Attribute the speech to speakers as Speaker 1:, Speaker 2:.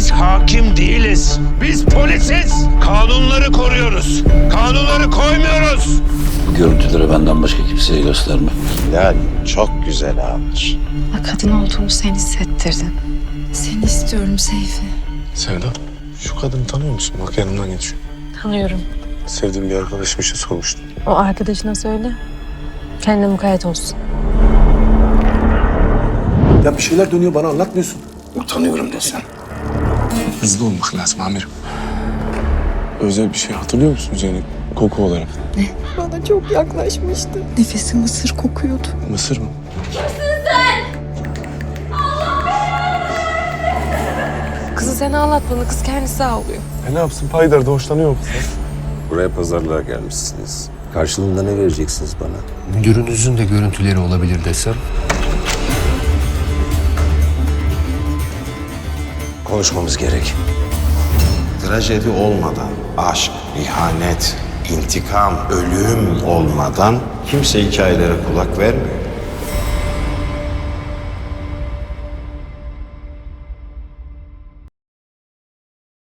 Speaker 1: Biz hakim değiliz. Biz polisiz. Kanunları koruyoruz. Kanunları koymuyoruz.
Speaker 2: Bu görüntüleri benden başka kimseye gösterme.
Speaker 3: Hilal çok güzel ağlar.
Speaker 4: Bana kadın olduğumu sen hissettirdin. Seni istiyorum Seyfi.
Speaker 5: Sevda, şu kadını tanıyor musun? Bak yanımdan geçiyor.
Speaker 6: Tanıyorum.
Speaker 5: Sevdiğim bir arkadaşım için sormuştum.
Speaker 6: O arkadaşına söyle. Kendine mukayyet olsun.
Speaker 7: Ya bir şeyler dönüyor, bana anlatmıyorsun.
Speaker 2: Utanıyorum desen.
Speaker 5: Hızlı olmak lazım amirim. Özel bir şey hatırlıyor musun Zeynep? Koku olarak.
Speaker 4: Bana çok yaklaşmıştı. Nefesi mısır kokuyordu.
Speaker 5: Mısır mı?
Speaker 6: Kızı sen ağlatmadın. Kız kendisi ağlıyor.
Speaker 5: Ne yapsın? Paydar'da hoşlanıyor mu?
Speaker 3: Buraya pazarlığa gelmişsiniz. Karşılığında ne vereceksiniz bana?
Speaker 7: Müdürünüzün de görüntüleri olabilir desem.
Speaker 3: Konuşmamız gerek. Trajedi olmadan, aşk, ihanet, intikam, ölüm olmadan kimse hikayelere kulak vermiyor.